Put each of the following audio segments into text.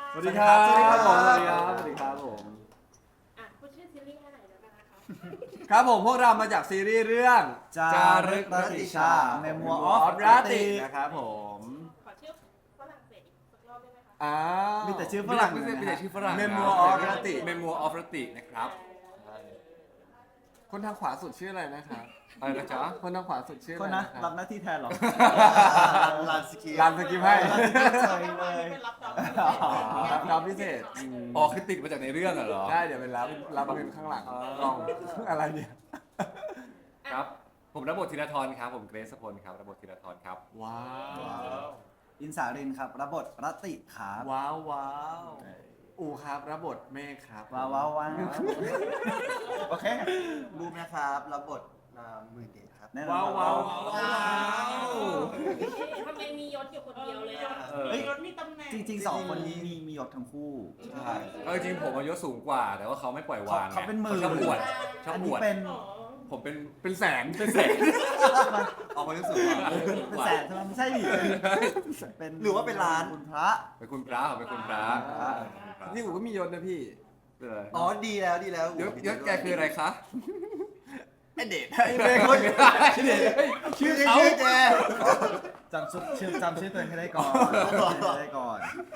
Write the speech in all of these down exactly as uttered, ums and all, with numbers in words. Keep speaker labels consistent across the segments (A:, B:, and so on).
A: สวัสดีครับสวัสดีครับผมสวัสดีครับสวัสดีครับผม
B: อ่ะพูดชื่อซีรีส์ให้หน่อยได้ไหมคะ
A: ครับผมพวกเรามาจากซีรีส์เรื่อง
C: จารึกรัตติชา Memoir of
A: รั
C: Rati
A: นะครับผม
B: ขอชื่อฝรั่งเศสอีกสักรอบได้ไหมคะ
A: อ้าว
C: มีแต่ชื่อฝรั่ง
D: ไม่ใช่ไม่ใช่ชื่อฝรั่ง
A: Memoir of Rati
D: Memoir of Rati นะครับ
A: คนทางขวาสุดชื่ออะไรนะครับ
D: อะไรนะจ๊ะ
A: คนทางขวาสุดชื่อ
C: ค
A: อะ
C: น
A: ไร
C: นะ
A: นะค
C: รั
A: รั
C: บบ หน้าที่แทนเหรอ
E: ลานสกี
A: รันสกิปให้
C: ใช่เลย
B: เป็นรับจอบ
A: รับรับพิเศษอืม
D: อ๋อคือติดมาจากในเรื่องเหรอ
A: ได้เดี๋ยวเป็นรับรับเป็นข้างหลังกล้องอะไรเนี่ย
D: ครับ ผมรับบทธีรทรครับ ผมเกรซพลครับรับบทธีรทรครับ
A: ว้าว
C: อินสารินครับรับบทรัตติครับ
A: ว้าวว้าวอูครับรับบทเมฆครับ
C: ว้าวว้าวว้าวโอเค
E: บูมนะครับรับบทนามหมื่นเดชครับ
C: แน่นอน
A: ว้าวว้าวว้าว
B: ทำไมมียศอยู่คนเดียวเลยอ่ะ
D: เออ
B: เฮ้ยยศมีตำแหน่ง
C: จริงๆสองคนนี้มีมียศทั้งคู่
E: ใช่
D: เออจริงผมอายุสูงกว่า แต่ว่าเขาไม่ปล่อยวางไง
C: เขาเป็นหมื่น
D: ชอบบวชชอบ
C: อัน
D: บ
C: นี้
D: วช
C: เป็น
B: อ๋อ
D: ผมเป็น
A: เป็นแสน
D: เป็นแสน
E: ออกมารู้สึกว่า
C: เป็นแสนใช่ไหมไม่ใช่ดิเป็น
E: หรือว่าเป็นล้าน
C: คุณพระ
D: เป็นคุณพระผมเป็นคุณพระ
C: อ่า
A: นี่อูก็มียศนะพี่
D: เออ
E: อ๋อดีแล้วดีแล้ว
D: ยศยศแกคืออะไรคะ
A: ไอเดชไอเมฆคน
E: ชื่อเขาชื่อแก
C: จำชื่อชื่อจำชื่อตัวเองให้ได้ก่อนจำชื่อตัวเองให้ได้ก่อน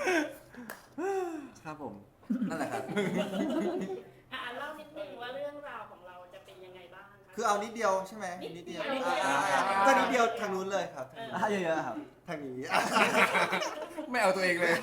A: ครับผมนั่นแหละครับ
B: อ่ะเล่านิดนึงว่าเรื่องราวของเราจะเป็นยังไงบ้างะ
E: คือเอานิดเดียวใช่ไหมนิดเดียว
B: นิดเดียว
E: อ่าก็นิดเดียวทางนู้นเลยครับ
C: อ่ะเยอะๆครับ
E: ทางนี้
D: ไม่เอาตัวเองเลย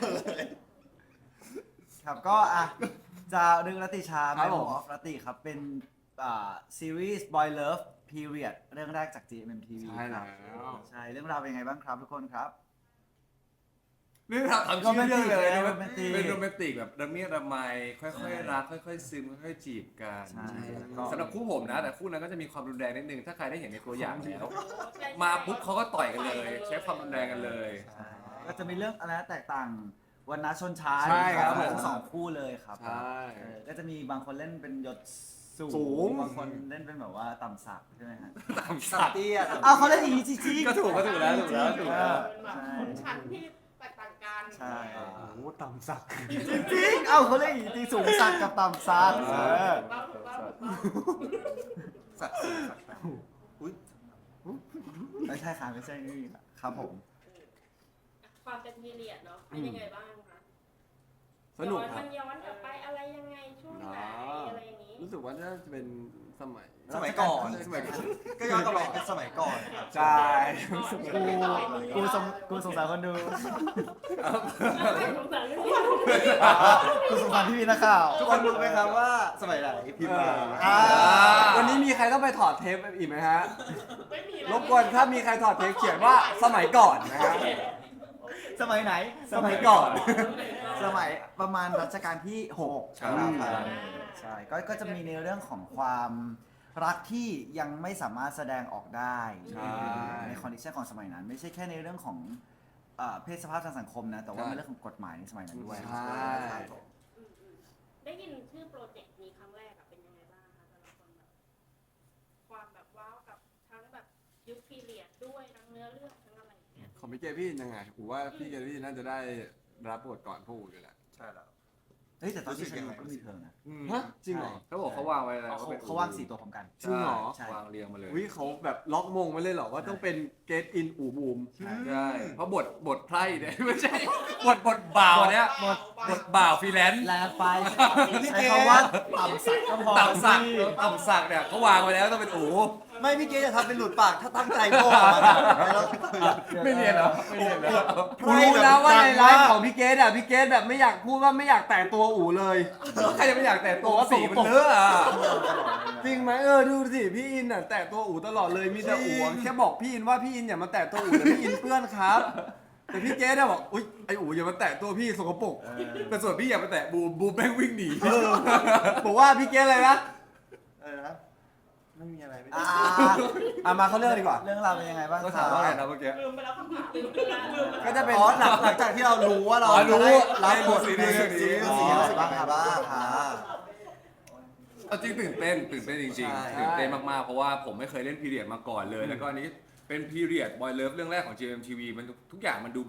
C: ครับก็อ่ะจารึกรัตติชา
A: ครับผม
C: Memoir of Rati ครับเป็นอ่าซีรีส์ Boy Love Period เรื่องแรกจาก จี เอ็ม เอ็ม ที วี
A: ใช่
C: ค
A: แล้
C: รับ
A: ว
C: ใช่เรื่องราวเป็นยังไงบ้างครับทุกคนครับ
D: เรื่องราวทำชื่อเรื่องเลย
C: โรแมนติก
D: เป็นโรแมนติกแบบระเมียดระไมค่อยๆรักค่อยๆซึมค่อยๆจีบกัน
C: ใช่แล้วก็
D: สำหรับคู่ผมนะ แต่คู่นั้นก็จะมีความรุนแรงนิดนึง ถ้าใครได้เห็นในตัวอย่างแล้ว
B: ใช่
D: มาปุ๊บเขาก็ต่อยกันเลย ใช้ความรุนแรงกันเลย
C: ใช่ก็จะมีเรื่องอะไรนะแตกต่างวันนะชนชั้น
A: ใช่ครับ
C: ของ
A: ผม
C: ทั้งสองคู่เลยครับ
A: ใช่
C: เออก็จะมีบางคนเล่นเป็นยศสู
A: สูง
C: บางคนเล่นเป็นแบบว่าต่ำสักใช่ไหมฮะ
D: ตาม
E: สั
D: สั
E: ต
D: ต
E: ว์
D: ว์
E: เตี้ย
C: อ้าวเขาเล่นอย่างนี้จริงๆ
D: ก็ถูกก็ถูกแล้วถูกแล้วถูกแล้ว
B: เป็นแบบชนชั้นที่แตกต่างกัน
C: ใช่
A: โอ้โหต่ำสัก
C: จริงๆเอ้าเขาเล่นอย่างนี้จริงสูงสักกับต่ำสักเออ
B: ถูกต้องถูกต้องถูกต้อง
E: สัตว์สัตว์อุ้ย
C: ไม่ใช่ค่ะไม่ใช่นี่ครับผม
B: ความเป็นพีเรียดเนาะเป็นยังไงบ้างคะ
A: สนุก
B: ย้อน
A: ครั
B: มั
A: บ
B: นย้อนกลับไปอะไรยังไงช่วงไหนอะไรอย่างนี้
A: รู้สึกว่าน่าจะเป็นสมัย
E: สมัยก่อน
A: สมัยก่อน
E: ก็ย้อนกลับไปเป็นสมัยก่อนครับ
A: ใช่
C: กูกูสงกูสงสารคนดู
B: สงสารเรื่อง
C: กูสงสารพี่พีนักข่าว
E: ทุกคนรู้ไหมครับว่าสมัยไหนพิมพ์มา
A: อ่า
E: อ่า
A: วันนี้มีใครต้องไปถอดเทปอีกไหมฮะ
B: ไม่มี
A: รบกวนถ้ามีใครถอดเทปเขียนว่าสมัยก่อนนะฮะ
C: สมัยไหน
A: สมัยก่อน
C: สมัยประมาณรัชกาลที่หก
E: ใช่
C: ครับใช่ก็ก็จะมีในเรื่องของความรักที่ยังไม่สามารถแสดงออกได้
A: ใช่
C: ในคอนดิชันของสมัยนั้น ไม่ใช่แค่ในเรื่องของเอ่อเพศสภาพทางสังคมนะ แต่ว่า
A: ใช่
C: ในเรื่องของกฎหมายในสมัยนั้นด้วย
A: ใช่
B: ได้ยินชื่อโปรเจกต์นี้ครั้งแรกอะเป็นยังไงบ้างคะแต่ละคนแบบความแบบว้าวกับทั้งแบบยุคพีเรียดด้วยทั้งเนื้อเรื่องทั้งอะไรอย่างเงี้ย
A: ของพี่เกพี่ยังไงผมว่าพี่เกพี่น่าจะได้รับบทก่อนพวกอูอยู่แหละ
E: ใช่แล้ว
C: เฮ้ยแต่ตอนที่
E: รู้สึ
C: ฉั
E: ก
C: น
E: ยังไง
C: ก็มีเธอนะ
A: ฮะจริงเหรอ
D: เขาบอกเขาวางไว้แล้ว
C: เขา
D: ป็น
C: เขาว่างสี่ตัวพร้อมกัน
A: จริงเหรอ
C: ใช่
D: วางเรียงมาเลย
A: วิเขาแบบล็อกมงไว้เลยเหรอว่าต้องเป็นเกตอินอูบูม
D: ใช่ เพราะบทบทไพร่เนี่ย ไม่ใช่ บทบทบ่าวเนี่ย
C: หมด
D: บทบ่าวฟรีแลนซ์
C: แรงไปใช้คำว่าต่ำสักก็พอ
D: ต่ำสัก
C: พี่
D: ต่ำสักเนี่ยเขาวางไว้แล้วต้องเป็นอู
E: ไม่พี่เกจะทำเป็นหลุดปากถ้าตั้งใจโง่อะแล้ว
D: ไม่เรียนเหรอไม่เรียนเหรอ
A: กูรู้นะว่าในไลฟ์ของพี่เกตอ่ะพี่เกตแบบไม่อยากพูดว่าไม่อยากแตะตัวอูเลย
D: ใครจะไม่อยากแต่ตัวสีมันเลอะอ่ะ
A: จริงไหมเออดูสิพี่อินอ่ะแตะตัวอูตลอดเลยมีแต่อูอะแค่บอกพี่อินว่าพี่อินอย่ามาแตะตัวอูแต่พี่อินเปื้อนครับ แต่พี่เกตอะบอกอุ๊ยไออูอย่ามาแตะตัวพี่สกปรก
D: แต่ส่วนพี่อยากไปแตะบูมบูมแม่งวิ่งหนี
A: เออบอกว่าพี่เกตอะไรนะ
E: เออนะไม่มีอะไรไม่
C: อ่า
A: อ่ะมาเข้าเรื่องดีกว่า
C: เรื่องราวเป็นยังไงบ้าง
D: ก็
C: ค
D: ถา
C: รั
D: ม
C: บ
D: ว่าไงนะเมื่อกี้
B: ลืมไปแล้วคำถามลืมไปแล้วลืมไปแล้ว
A: ก็จะเป็น
E: อ๋อหลังหลังจากที่เรารู้ว่าเรา
D: อ๋อรู้
E: จะได้รับบท
D: ได้
E: ใน
D: รู้
E: ซี
D: ซีรี
E: รี
D: ส์
E: ส์
D: นี้
E: สีอะไรบ้างครับบ้างอ่า
D: เอาจริงตื่นเต้นตื่นเต้นจริง
E: ใช่
D: ๆตื่นเต้นมากๆเพราะว่าผมไม่เคยเล่นพีเรียดมาก่อนเลย แล้วก็อันนี้เป็นพีเรียดบอยเลิฟเรื่องแรกของ จี เอ็ม ที วี มันทุกอย่างมันดูแบบ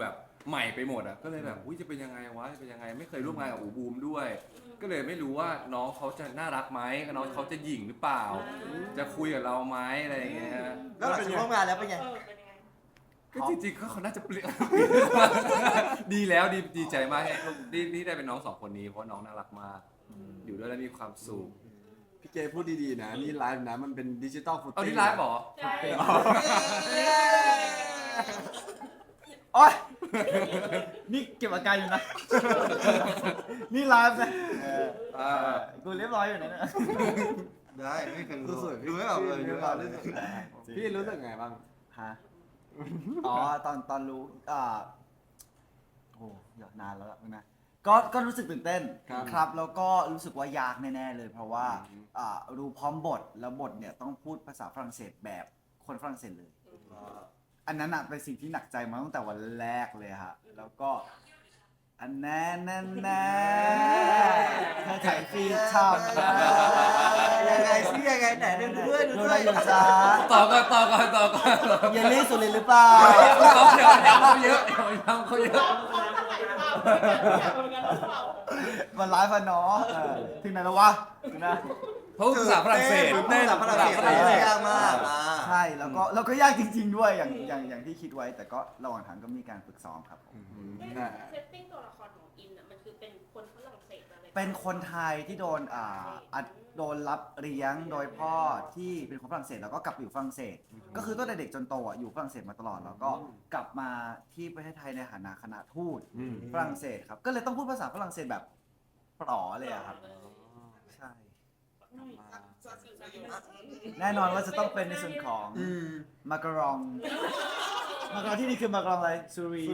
D: ใหม่ไปหมดอ่ะก็เลยแบบอุ้ยจะเป็นยังไงวะจะเป็นยังไงไม่เคยร่วมงานกับอูบูมด้วย ก็เลยไม่รู้ว่าน้องเขาจะน่ารักไหมน้องเขาจะหยิ่งหรือเปล่า จะคุยกับเราไหมอะไรอย่างเงี้ย
E: แล้วหลังจากร่วมงานแล้วเป็นไง
B: เออเป็นยังไง
D: ก็จริงๆก็เขาน่าจะเปลี่ยน ดีแล้วดีดีใจมากที่ที่ได้เป็นน้องสองคนนี้เพราะน้องน่ารักมากอยู่ด้วยแล้วมีความสุข
A: พี่เกพูดดีๆนะนี่ไลฟ์นะมันเป็นดิจิตอลฟุต
D: เอานี่ไลฟ์เหรอ
B: ใช่
C: โอ๊ย นี่เก็บอาการอยู่นะ นี่ไลฟ์นะเออ
D: อ่า
C: กูเรียบร้อยอยู่นะเนี่ย
E: ได้ไม่เคยรู้
A: รู้สึก
E: ดูไม่ออกเลยดูไม่ออกเลย
A: พี่รู้สึกไงบ้าง
C: ฮะ อ๋อ ตอนตอนรู้ อ่า โอ้เดี๋ยวนานแล้วล่ะนะ ก็ ก็รู้สึกตื่นเต้น
A: ครับ
C: ครับ แล้วก็รู้สึกว่ายากแน่ๆเลย เพราะว่า
A: อืม
C: อ่า รู้พร้อมบท แล้วบทเนี่ยต้องพูดภาษาฝรั่งเศสแบบคนฝรั่งเศสเลย อันนั้นอะเป็นสิ่งที่หนักใจมาตั้งแต่วันแรกเลยฮะ แล้วก็ อันแน่แน่แน่เธอถ่ายฟีดทำนะ
E: ยังไงซิยังไงไหนดูด้วยดู
C: ดู
E: ด้
C: ได้
E: วย
C: อยู่จ้า
D: ต่อก่อนต่อก่อนต่อก่อน
C: เยลลี่สุรินทร์หรือเปล่า
D: เขาเยอะเขาเยอะเขาเยอะ
B: เขาเขาเท่าไหร่เปล่าอยากเหมือนกันหรือเปล่า
C: มันไลฟ์อะเนาะเออถึงไหนแล้ววะถึงนะ
D: เขาภาษาฝรั่งเศส
E: พูดภาษาฝรั่งเศสอะไรยากมากอ่า
C: ใช่แล้วก็แล้วก็ยากจริง ๆ ด้วยอย่างอย่างอย่างที่คิดไว้ แต่ก็ระหว่างทางก็มีการฝึกซ้อมครับผม
A: น่ะ
B: เซตติ้งตัวละครของอินอ่ะมันคือเป็นคนฝรั่งเศสอะไร
C: เป็นคนไทยที่โดนอ่าอัดโดนรับเลี้ยงโดยพ่อที่เป็นคนฝรั่งเศสแล้วก็กลับไปอยู่ฝรั่งเศส ก็คือตั้งแต่เด็กจนโตอ่ะอยู่ฝรั่งเศสมาตลอดแล้วก็กลับมาที่ประเทศไทยในฐานะคณะทูต
A: อืม
C: ฝรั่งเศสครับก็เลยต้องพูดภาษาฝรั่งเศสแบบปลอเลยอะครับใช่แน่นอนว่าจะต้องเป็นในส่วนของ
A: อืม
C: มาการองมาการองที่นี่คือมาการองอะไรซูรี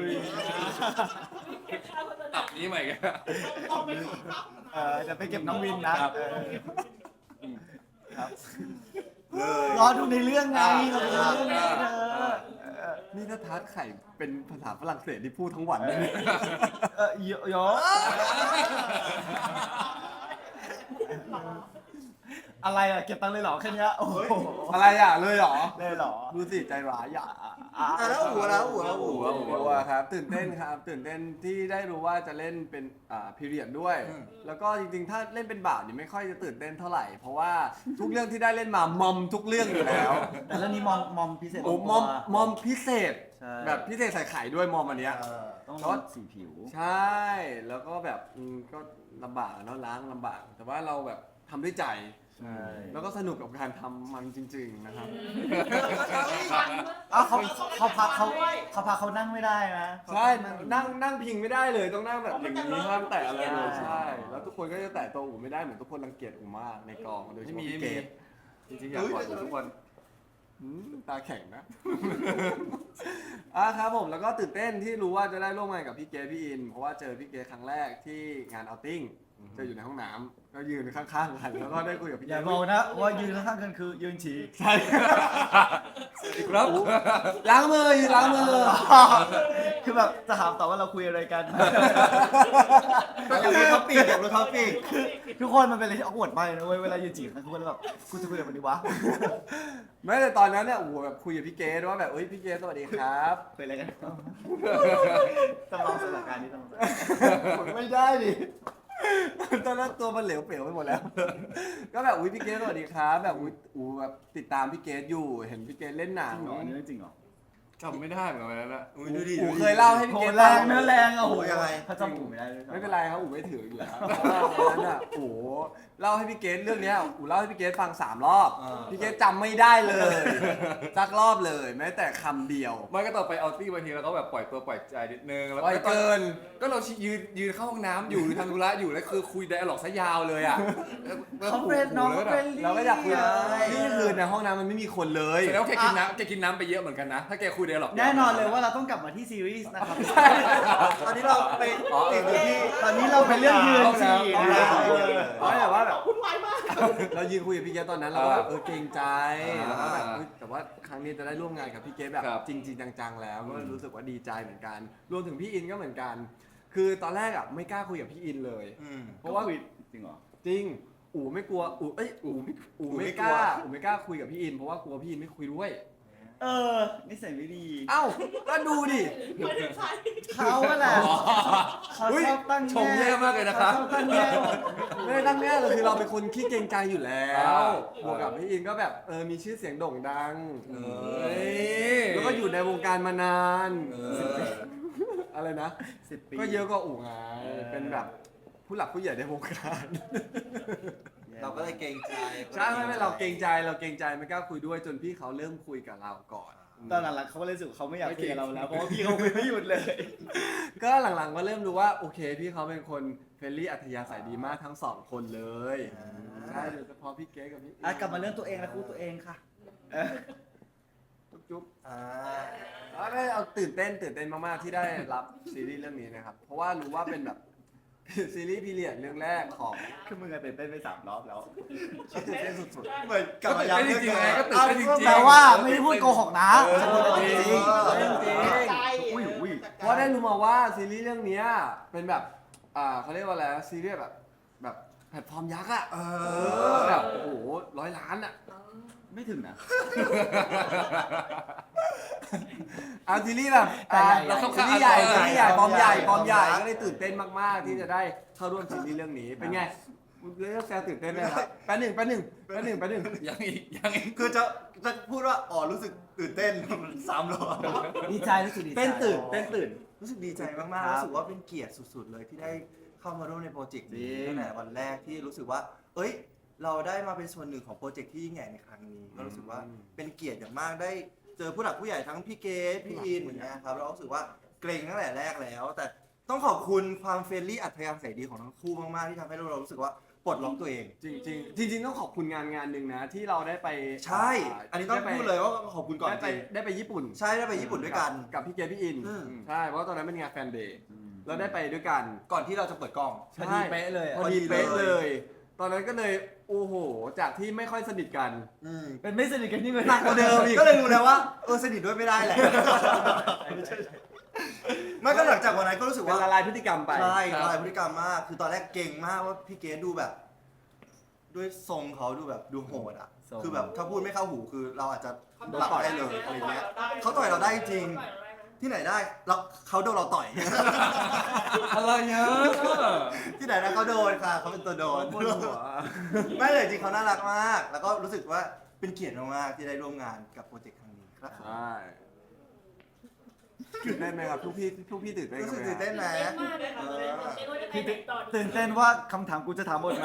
D: ตับนี้ใหม่กัน
C: เออจะไปเก็บน้องวินนะครับ เออครับรอดูในเรื่องไงรอดูในเรื่องไงเธอเออ
A: นี่ถ้าทาร์ตไข่เป็นภาษาฝรั่งเศสที่พูดทั้งวันเลย
C: เออโยโยอะไรอะเก็บตังค์เลยเหรอแค่เนี้ยโอ้โห
A: อะไรอ่ะเลยเหรอ
C: เลยเหรอ
A: ดูสิใจร้ายอ่ะ
C: อ่ะ
E: อ่ะแล้วหัวแล้วหัวแล้วหัว
A: โอ้โหครับตื่นเต้นครับ ตื่นเต้นที่ได้รู้ว่าจะเล่นเป็นอ่าพีเรียดด้วย แล้วก็จริงๆ ถ้าเล่นเป็นบ่าวนี่ไม่ค่อยจะตื่นเต้นเท่าไหร่ เพราะว่าทุกเรื่องที่ได้เล่นมามอมทุกเรื่องอยู่แล้ว
C: แต่เรื่องนี้มอมมอมพิเศษ
A: โอ้มอมมอมพิเศษ
C: ใช่
A: แบบพิเศษใส่ไข่ด้วยมอมอันเนี้ย
E: เออ
C: ต้องลดสีผิว
A: ใช่ แล้วก็แบบอืมก็ลำบากอะเนาะล้างลำบาก แต่ว่าเราแบบทำด้วยใจ
C: ใช่
A: แล้วก็สนุกกับการทำมันจริง ๆ นะครับ
C: อ้าวเขาเขาพักเขาเขาพักเขานั่งไม่ได้นะ
A: ใช่ นั่งนั่งพิงไม่ได้เลย ต้องนั่งแบบอย่างนี้ห้ามแตะอะไรเลยใช่ แล้วทุกคนก็จะแตะตัวอูไม่ได้เหมือนทุกคนรังเกียจอูมากในกองโดยเฉ
D: ไม่
A: พาะ
D: มี
A: พี่
D: ไม่
A: เก
D: มี
A: ด
D: จริงๆอยากกอดทุกคน
A: อืมตาแข็งนะ อ่ะครับผมแล้วก็ตื่นเต้นที่รู้ว่าจะได้ร่วมงานกับพี่เกดพี่อิน เพราะว่าเจอพี่เกดครั้งแรกที่งานเอาท์ติ้งเจออยู่ในห้องน้ำก็ยืนข้างๆกันแล้วก็ได้คุยกับพี่
C: อ
A: เก
C: ย่า
A: ด
C: บอกนะว่ายืนข้างๆกันคือยืนฉี่
A: ใช่
D: ครับ
A: ล้างมือยืนล้างมือ
C: คือแบบจะถามต่อว่าเราคุยอะไรกัน
E: อยากรู้ท็อปปิ้งอยากรู้ท็อปปิ้ง
C: ทุกคนมันเป็นอะไรที่ออกวดมากเลยนะเว้ยเวลายืนจีบกันทุกคนแบบกูจะคุยอะไรกันดีวะ
A: ไม่แต่ตอนนั้นเนี่ยโอ้โหแบบคุยกับพี่เกดว่าแบบเอ้ยพี่เกดสวัสดีครับ
C: คุยอะไรกันจำลองสถานการณ์นี้ต้อง
A: ผมไม่ได้ดิตอนนั้นตัวมันเหลวเปลวไปหมดแล้ว ก็แบบอุ้ยพี่เกดสวัสดีครับแบบอุ้ยอูแบบติดตามพี่เกดอยู่เห็นพี่เกดเล่นหนั
C: จ
A: ง
C: ริงเหรออันนี้เรื่องจริงเหรอ
D: จำไม่ได้เหมือนกันวันนั้นอะ
E: อุ้ยดูดิ
A: อู
E: ดูดิ
A: เคยเล่าให้พี่
C: โห
A: เกด
C: แร
A: ฟั
C: งเนื้อแรงอะโห
E: โหยังไง
C: ถ้าจำถูกไม่ได้เลย
A: ไม่เป็นไรครับอูไม่ถืออยู่แล้วเพราะว่าวันนั้นอ่ะโอ้โหเล่าให้พี่เกดเรื่องเนี้ยอูเล่าให้พี่เกดฟังสามรอบ
E: อ่า
A: พี่เกดจำไม่ได้เลยสักรอบเลยแม้แต่คำเดียว
D: ไม่ก็ต่อไปเอาตี้บางทีเราก็แบบปล่อยตัวปล่อยใจนิดนึงแล้ว
A: ปล่อยเกิน
D: ก็เรายืนยืนเข้าห้องน้ำอยู่หรือทำธุระอยู่แล้วคือคุยไดอะล็อกซะยาวเลยอ่ะ
C: เขาเฟรนน้องเขาเฟรนลี่
A: เราก็อยากคุยนี่คือในห้องน้ำมันไม่มีคนเลย
D: แสดงว่าแกกินน้ำแกกินน้ำไปเยอะเหมือนกันนะ ถ้าแกคุยไดอะล็อก
C: แน่นอนเลยว่าเราต้องกลับมาที่ซีรีส์นะครับ
E: ตอนนี้เราไปติดอยู่ที่
C: ตอนนี้เราเป็นเรื่องยืนฉี่
A: เอา
C: นะ
A: แล้ว
C: เออ
A: เอาแต่ว่าแบบ
B: วุ่นวายมาก
A: เรายืนคุยกับพี่เกดตอนนั้นเราก็แบบเออเกรงใจแล้วก็แบบเฮ้ยแต่ว่าครั้งนี้จะได้ร่วมงานกับพี่เกดแบบจริงๆจังๆแล้วก็รู้สึกว่าดีใจเหมือนกัน รวมถึงพี่อินก็เหมือนกัน คือตอนแรกอ่ะไม่กล้าคุยกับพี่อินเลย
E: อืม
A: เพราะว่า
C: จริงเหรอ
A: จริงอู๋ไม่กลัวอู๋เอ้ยอู๋ไม่อู๋ไม่กล้าอู๋ไม่กล้าคุยกับพี่อินเพราะว่ากลัวพี่อินไม่คุยด้วย
C: เออนิสัยไม่ดี
A: เอ้าก็ดูดิ
B: ไม่ถึงใคร
C: เขาอะแหละเขา
A: อุ๊ย
C: ชอบตั้ง
D: ชมแย่มากเลยนะครับ
C: เขาชอบตั้งแง่
A: ไม่ได้ตั้งแง่เลยคือเราเป็นคนขี้เกรงใจอยู่แล้
D: อ้าว ว
A: บวกกับพี่อินก็แบบเออมีชื่อเสียงโด่งดัง
D: เอ
A: เอ้
D: อย
A: แล้วก็อยู่ในวงการมานาน
D: เออ
A: อะไรนะ
C: สิบปี
A: ก็เยอะก็อู่ไง
C: เออ
A: เป็นแบบผู้หลักผู้ใหญ่ในวงการ
E: เราก็เลยเกรงใจ
A: ใช่ไม่ไม่เราเกรงใจเราเกรงใจไม่กล้าคุยด้วยจนพี่เขาเริ่มคุยกับเราก่อน
C: ตอนหลังๆเขาก็เลยรู้สึกเขาไม่อยากคุยกับเราแล้วเพราะว่าพี่เขาคุยไม่หยุดเลย
A: ก็หลังๆก็เริ่มรู้ว่าโอเคพี่เขาเป็นคนเฟรนลี่อัธยาศัยดีมากทั้งสองคนเลยใช่โดยเฉพาะพี่เก๊กับพี่
C: อ่ะกลับมาเรื่องตัวเองนะครูตัวเองค่ะเออ
A: จุ๊บจุ๊บ
E: อ่า
A: แล้วได้เอาตื่นเต้นตื่นเต้นมากๆที่ได้รับซีรีส์เรื่องนี้นะครับ เพราะว่ารู้ว่าเป็นแบบ ซีรีส์พีเรียดเรื่องแรกของ
C: คือมึงอะตื่นเต้นไปสามรอบแล้ว
A: ที่ตื่นเต้นสุด
E: เหมือนกลับมา
D: ก็
E: ย้ำ
D: ตื่
E: เรื่
D: น
E: อง
D: เต้นจริงๆไง
E: เดิ
D: ก็
E: ม
D: ตื่นเต้นจริงๆ
C: แต่ว่าไม่ได้พูดโกหกนะ
A: เออ
C: ฉันพูดจริง
A: จริง
C: เรื่องจริง
B: อุ้
C: อุ้ยอุ้ย
A: ๆเพราะได้รู้มาว่าซีรีส์เรื่องเนี้ยเป็นแบบอ่าเขาเรียกว่าอะไรนะซีรีส์แบบแบบแพลตฟอร์มยักษ์อะเออแบบโอ้โหร้อยล้านอะ
C: ไม่ถึงนะ
A: เอาซีรีส์แบบ
C: แต่ใหญ่
A: เรา
C: ๆ
A: ซีรีส์ใหญ่
D: เออ
A: ซีรีส์ใหญ่ฟอร์มใหญ่ฟอร์มใหญ่
E: ฟอร์มยักษ์
A: ก็เลยตื่นเต้นมากๆที่จะได้เข้าร่วมซีรีส์เรื่องนี้เป็นไงเรื่องแซวตื่นเต้นไหมครับแป๊บหนึ่งแป๊บหนึ่งแป๊บหนึ่งแป๊บหนึ่ง
D: ยังอีกยังอีก
E: คือจะจะพูดว่าอ๋อรู้สึกตื่นเต้นซ้ำรอบ
C: ดีใจรู้สึกดีใจ
A: เต้นตื่นเต้นตื่น
E: รู้สึกดีใจมาก
C: ครับ
E: ๆรู้สึกว่าเป็นเกียรติสุดๆเลยที่ได้เข้ามาร่วมในโปรเจกต์นี้
C: จริง
E: ตั้งแต่วันแรกที่รู้สึกว่า เอ้ย เราได้มาเป็นส่วนหนึ่งของโปรเจกต์ที่ยิ่งใหญ่ในครั้งนี้ ก็รู้สึกว่าเป็นเกียรติอย่างมากได้เจอผู้หลักผู้ใหญ่ทั้งพี่เกดพี่อินอย่างเงี้ยครับเรารู้สึกว่าเกรงตั้งแต่แรกแล้ว แต่ต้องขอบคุณความเฟรนลี่อัธยาศัยดีของทั้งคู่มากๆที่ทำให้เรารู้สึกว่าปลดล็อกตัวเอง
A: จริงจริงๆจริงๆต้องขอบคุณงานงานหนึ่งนะที่เราได้ไป
E: ใช่ อันนี้ต้อง
A: ได้ไป
E: พูดเลยว่าขอบคุณก่อน
A: ได้
E: จ
A: ไป
E: ริง
A: ได้ไปญี่ปุ่น
E: ใช่ได้ไปญี่ปุ่นด้วยกัน
A: กับพี่เกดพี่อิน
E: อืม
A: ใช่เพราะว่าตอนนั้นเป็นงานแฟนเดย์เราได้ไปด้วยกัน
E: ก่อนที่เราจะเปิดกล้อง
C: พอดีเป๊ะเลยอะ
A: พอดีเป๊ะเลย ตอนนั้นก็เลยโอ้โหจากที่ไม่ค่อยสนิทกัน
E: อืม
C: เป็นไม่สนิทกันนี่เลย
E: หนักกว่าเดิมอีกก็เลยรู้แล้วว่าเออสนิทด้วยไม่ได้แหละไม่ก็หลังจากวันนั้นก็รู้สึก
A: เป็น
E: ว่า
A: ละลายพฤติกรรมไป
E: ใช่ละลายพฤติกรรมมาก คือตอนแรกเก่งมากว่าพี่เกดดูแบบ ด้วยทรงเขาดูแบบดูโหดอ่ะ
C: ทรง
E: คือแบบถ้าพูดไม่เข้าหูคือเราอาจจะ
B: เขา
E: หลับได้เลยอะไรเงี้ย เขา
B: เขา
E: ต่อยเราได้จริง
B: ต่อยเราได้นะ
E: ที่ไหนได้เราเขาโดนเราต่อย
D: อะไรเนี่ย
E: ที่ไหนนะเขาโดนค่ะเขาเป็นตัวโดน
A: บนหัว
E: ไม่เลยจริงเขาน่ารักมาก แล้วก็รู้สึกว่าเป็นเกียรติมากๆที่ได้ร่วมงานกับโปรเจกต์ครั้งนี้ครับ
A: ใช่ตื่นเต้นไหมครับทุกพี่ทุกพี่ตื่นเต้น
E: รู้
A: กัน
E: สึก
A: ไหม
E: ตื่นเต้นไหม
B: เต้นมากเลยค่ะเลยตื่นเต้นว่าจะไปไหนต่อดี
C: ตื่นเต้นว่าคำถามกูจะถามหมดไหม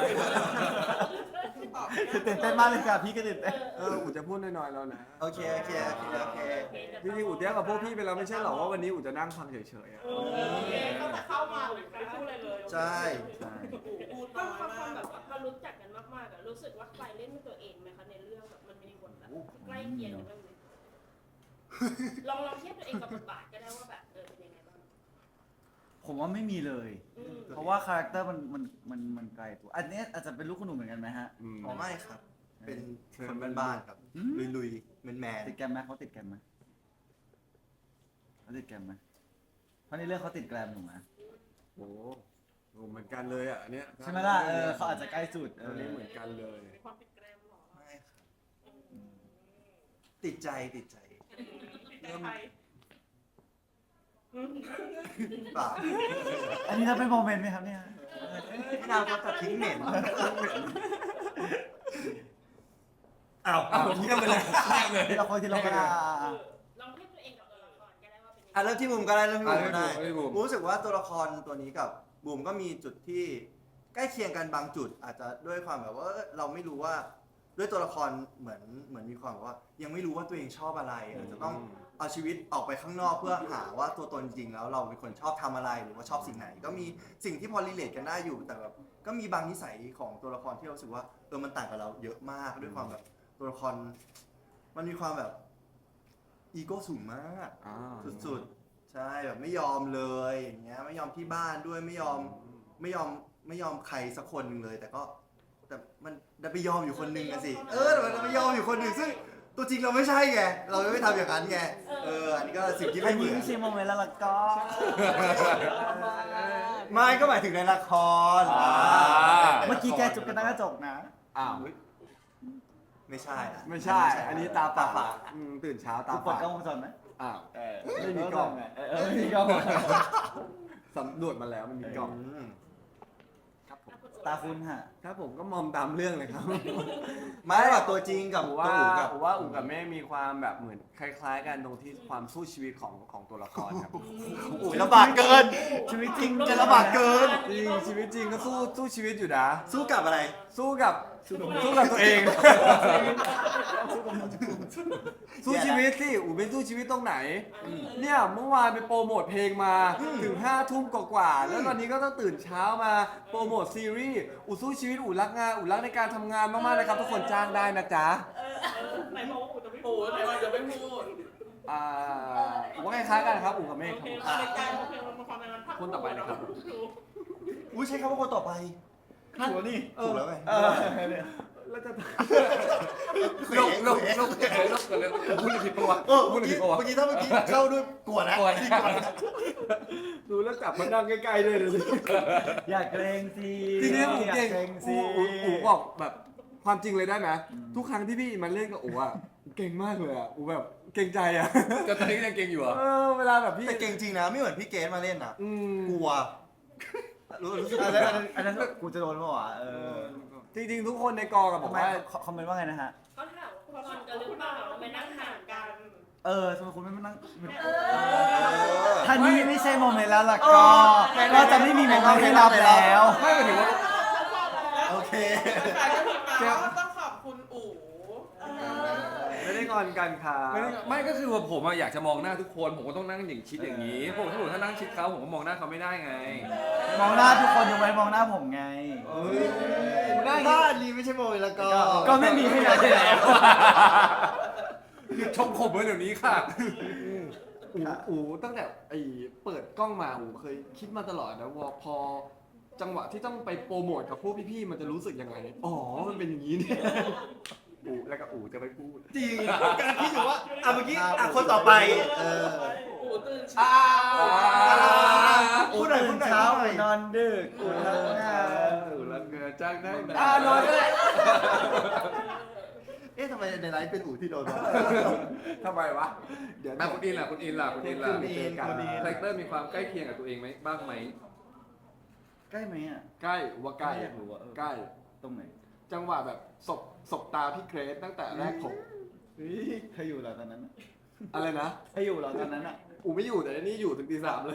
C: ตื่นเต้นมากเลยค่ะพี่ก็ตื่นเต้น
A: เอออู๋จะพูดน้อยๆแล้วนะ
E: โอเคโอเคโอเคโอเค
A: จริงๆอู๋เตี้ยกับพวกพี่ไปแล้วไม่ใช่หรอกว่าวันนี้อู๋จะนั่งฟังเฉยๆอะ
B: เออตั้งแต่เข้ามาไม่พูดอะไรเลย
E: ใช่
C: ใช่
B: ความความความแบบว่าพอรู้จักกันมากๆอะรู้สึกว่าใครเล่นเป็นตัวเองไหมคะในเรื่องแบบมันมีบทแบบใกล้เคียงกันบ้างไหมลองลองเทียบตัวเองกับบทบาทก็ได้ว่าแบบเออเป็นยังไงบ้าง
C: ผมว่าไม่มีเลย
B: อืม
C: เพราะว่าคาแรคเตอร์มันมันมันมันไกลตัว อันนี้อาจจะเป็นลูกคุณหนูเหมือนกันไหมฮะ
A: อืม
E: อ๋อไม่ครับ เป็นคนบ้านๆครับ
C: อืม
E: ลุยๆแมนแมน
C: ติดแกรมไหมเขาติดแกรมไหมเขาติดแกรมไหมเพราะในเรื่องเขาติดแกรมหนูนะ
A: โอ้โหเหมือนกันเลยอ่ะอันเนี้ย
C: ใช่ไหมล่ะเออเขาอาจจะใกล้สุดเอ
A: อัน
C: อ
A: นี้เหมือนกันเลย
B: ความเป็นแกรมเหรอ
E: ไม่ครับ ติดใจติดใจ
B: ในไทย
E: เปล่า
C: อันนี้ถ้าเป็นโมเมนต์ไหมครับเนี่ย
E: พี่นาวเขาตัดทิ้งเหม็นอ้าว
D: อ้าวเงียบไปเลยเงียบเลย
C: ทีละคนทีละคนอ่ะอ่ะอ่ะ
B: ลองเทียบตัวเองกับตัวละครก็ได้ว่าเป็นยังไง
E: อ่ะเริ่มที่บูมก็ได้เริ่มที่บูมก็ได้
D: อ่ะเริ่มที่บูม
E: บูมรู้สึกว่าตัวละครตัวนี้กับบูมก็มีจุดที่ใกล้เคียงกันบางจุด อาจจะด้วยความแบบว่าเราไม่รู้ว่าด้วยตัวละครเหมือนเหมือนมีความแบบว่า ยังไม่รู้ว่าตัวเองชอบอะไรอาจจะต้องเอาชีวิตออกไปข้างนอกเพื่อหาว่าตัวตนจริงแล้วเราเป็นคนชอบทำอะไรหรือว่าชอบสิ่งไหน ก็มีสิ่งที่พอรีเลทกันได้อยู่แต่แบบก็มีบางนิสัยของตัวละครที่เรารู้สึกว่าเออมันต่างกับเราเยอะมากด้วยความแบบตัวละคร มันมีความแบบอีโก้สูงมาก
A: อ่า
E: สุดๆ ใช่แบบไม่ยอมเลยอย่างเงี้ยไม่ยอมที่บ้านด้วยไม่ยอมไม่ยอมไม่ยอมใครสักคนหนึ่งเลย แต่ก็แต่มันดันไปยอมอยู่คนหนึ่งอะสิเออแต่มันดันไปยอมอยู่คนหนึ่งซึ่งตัวจริงเราไม่ใช่ไงเราไม่ทำอย่างนั้นไงเอออันนี้ก็สิ่งที่
C: อั
E: ไม่
C: น
E: เหมื
C: นี้
E: อน
C: ไม่ใช่โมเมนต์แล้วล่ะก็
E: ไม่ก็หมายถึงในละคร
D: อ่า
C: เมื่อกี้แกจุกกันตั้งกระจกนะ
A: อ้าว
E: แหมไม่ใช่อะ
A: ไม่ใช่ อันนี้ตาฝาดอืมตื่นเช้าตา
C: คุณเปิด
A: ฝาด
C: กล้องวงจรไหม
A: อ้าว
C: เออ
A: ไม่มีกล้อง
C: เออเออไม่มีกล้อง
A: สำรวจมาแล้วมันมีกล้อง
E: อืม
A: ครับผม
C: ตาคุณฮะ
A: ครับผมก็มอมตามเรื่องเลยครับ
E: ไม่หรอกตัวจริงกับ
A: ผม
E: ตัว
A: ว่า
E: อู๋กับ
A: ผมว่าอู๋กับเม่มีความแบบเหมือนคล้ายๆกันตรงที่ความสู้ชีวิตของของตัวละครครับ
E: อู๋ลำบากเกิน
C: ชีวิตจริง
E: จะลำบากเกิน
A: จริงชีวิตจริงก็สู้สู้ชีวิตอยู่นะ
E: สู้กับอะไร
A: สู้กับสู้กับตัวเอง สู้ชีวิตสิอู๋เป็นสู้ชีวิตตรงไหน เนี่ยเมื่อวานไปโปรโมทเพลงมาถึงห้าทุ่มกว่าๆแล้วตอนนี้ก็ต้องตื่นเช้ามาโปรโมทซีรีส์อู๋สู้ชีวิตอู๋รักงานอู๋รักในการทำงานมากๆนะครับทุกคนจ้างได้นะจ๊ะ
B: ไหนบอกว่าอู๋จะไม่
F: โอ้
B: พูด
F: ไหนว่าจะไม่พูด
A: อ่าอู๋ก็คล้ายๆกันครับอู๋กับเมฆ
B: โอ
A: ครับ
B: เค
A: ผม
B: รายการโอเคมันมาความในวันพัก
A: คนต่อไปนะครับ
E: อุ้ยใช้คำว่าคนต่อไป
C: ถูกนี่
E: ถูกแล้วไง
C: เออ
A: แล้วจะ
D: ลกลกลกลกกันเลยพูดผิดปะวะ
E: เออ
D: พู
E: เมื่
D: ด
E: อ
D: ผิ
E: กี้
D: ดปะวะ
E: เมื่อกี้ถ้าเมื่อกี้เข้าด้วยกลัวนะ
D: กลัวนะ
E: พี่กลัวนะ
A: ดูแล้วจับมานั่งใกล้ๆด้วยเลย
C: อย่าเกรงสิ
A: ทีนี้อู๋
C: อย่า
A: เก่ง
C: เกรงสิ
A: อู๋อู๋อู๋บอกแบบความจริงเลยได้ไหมทุกครั้งที่พี่มันเล่นกับอู๋อ่ะเก่งมากเลยอ่ะอู๋แบบเก่งใจอ่ะ
D: ก็ตอนนี้ยังเก่งอยู่เหรอ
A: เออเวลาแบบพี่
E: แต่เก่งจริงนะไม่เหมือนพี่เกณมาเล่นอ่ะ
A: อืม
E: กลัวรู้รู้สึก
C: อันนั้นอันนั้นอันนั้นกูจะโดนเปล่าวะเออ
A: จริงๆทุกคนในกองอะบ
C: ทำ
A: อก
C: ไม
A: ว่า
C: คอมเมนต์ว่าไงนะฮะ
B: เขาถามว่าคุณกันหรือเปล่าทำไมนั่งห่างกัน
C: เออทำไมคุณไม่มานั่ง
B: เออ
C: ถ้านี่ไม่ใช่โมเมนต์แล้วล่ะก็ ก็จะไม่มีโมเมนต์ให้รับแล้ว
D: ไม่หมายถึงว่า
E: โอเค
F: แฟนก็พิมพ์มาว่าต้องขอบคุณอู๋
A: ไม่ได้งอนกันค่ะ
D: ไม่ได้ไม่ก็คือว่าผมอะอยากจะมองหน้าทุกคนผมก็ต้องนั่งอย่างชิดอย่างนี้ผมถ้าผมถ้านั่งชิดเขาผมก็มองหน้าเขาไม่ได้ไง
C: มองหน้าทุกคนยกเว้นมองหน้าผมไง
A: หน้า
E: ถ้าอันนี้ไม่ใช่โมยแล้วก็
C: ก็ไม่มีให้แล้วใช่แล้ว
D: หยุดชมผมเลยเดี๋ยวนี้ค่ะ
A: อู๋อู๋ตั้งแต่ไอ้เปิดกล้องมาอู๋เคยคิดมาตลอดนะว่าพอจังหวะที่ต้องไปโปรโมทกับพวกพี่ๆมันจะรู้สึกยังไงอ๋อมันเป็นอย่างนี้เนี่ยอู๋แล้วก็อู๋จะไปพูด
E: จริงกำลังคิดอยู่ว่าอ่ะเมื่อกี้อ่ะคนต่อไปเออ
F: อู๋ตื่นเช้า
E: พูดหน่อยพูดหน่อย
C: เช้า
E: พูดหน่อย
C: นอนดึกกูทำงาน
A: อู๋แล้วเกิดจ้างได้ไหม
C: อ่านอนก็ได้
E: เอ๊ะทำไมในไลฟ์เป็นอู่ที่โดนวะ
A: ทำไมวะเดี๋ยว
D: อ่ะคุณอินล่ะคุณอินล่ะคุณอินล่ะ
E: คุณอินคุณอิน
D: คาแรคเตอร์มีความใกล้เคียงกับตัวเองไหมบ้างไหม
C: ใกล้ไหมอ่ะ
A: ใกล้อู๋ว่าใกล้
C: อยากรู้ว่าเออ
A: ใกล้
C: ตรงไหน
A: จังหวะแบบศบศบตาพี่เกรซตั้งแต่แรกผม
C: เฮ้ยใครอยู่เหรอตอนนั้นอะ
A: อะไรนะ
C: ใครอยู่เหรอตอนนั้นอ่ะ
A: อูไม่อยู่แต่อันนี่อยู่ถึงตีสามเลย